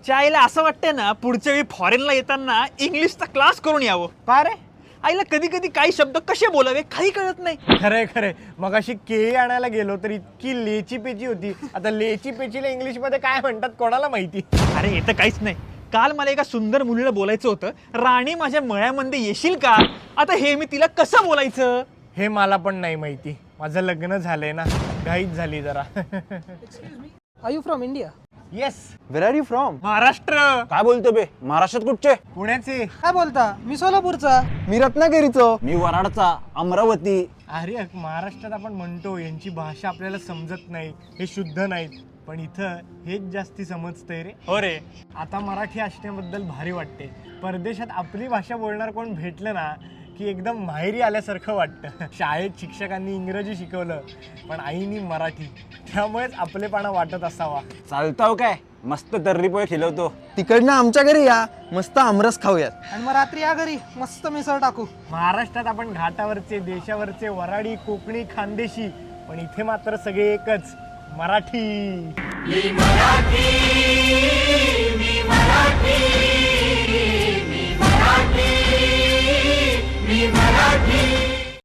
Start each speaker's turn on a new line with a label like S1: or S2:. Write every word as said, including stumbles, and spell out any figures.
S1: चायला असं वाटतंय ना पुढच्या वेळी फॉरेनला येताना इंग्लिशचा क्लास करून यावं.
S2: का रे?
S1: आईला कधी कधी काही शब्द कसे बोलावे काही कळत नाही.
S2: खरंय खरंय. मग अशी केळी आणायला गेलो तर इतकी लेची पेची होती. आता लेची पेचीला इंग्लिश मध्ये काय म्हणतात कोणाला माहिती.
S1: अरे हे तर काहीच नाही. काल मला एका सुंदर मुलीला बोलायचं होतं, राणी माझ्या मळ्यामध्ये येशील का. आता हे मी तिला कसं बोलायचं
S2: हे मला पण नाही माहिती. माझं लग्न झालंय ना, घाईच झाली जरा.
S3: Are you from India?
S2: Yes.
S4: Where are you from?
S1: Maharashtra.
S4: काय बोलतो बे? महाराष्ट्रात कुठचे?
S2: पुण्याचे.
S3: काय बोलता? मी सोलापूरचा.
S4: मी रत्नागिरीचो. मी वराडचा. अमरावती.
S2: अरे महाराष्ट्रात आपण म्हणतो यांची भाषा आपल्याला समजत नाही, हे शुद्ध नाहीत, पण इथं हेच जास्ती समजतंय रे.
S1: हो रे.
S2: आता मराठी असण्याबद्दल भारी वाटते. परदेशात आपली भाषा बोलणार कोण भेटलं ना की एकदम माहेरी आल्यासारखं वाटतं. शाळेत शिक्षकांनी इंग्रजी शिकवलं पण आईनी मराठी, त्यामुळेच आपलेपणा वाटत असावा.
S4: चालताव काय? मस्त तर्री पोहे खिलवतो. तिकडनं आमच्या घरी या, मस्त आमरस खाऊयात.
S3: आणि मग रात्री या घरी मस्त मिसळ टाकू.
S2: महाराष्ट्रात आपण घाटावरचे, देशावरचे, वराडी, कोकणी, खानदेशी, पण इथे मात्र सगळे एकच, मराठी.
S5: मी मराठी, मी मराठी.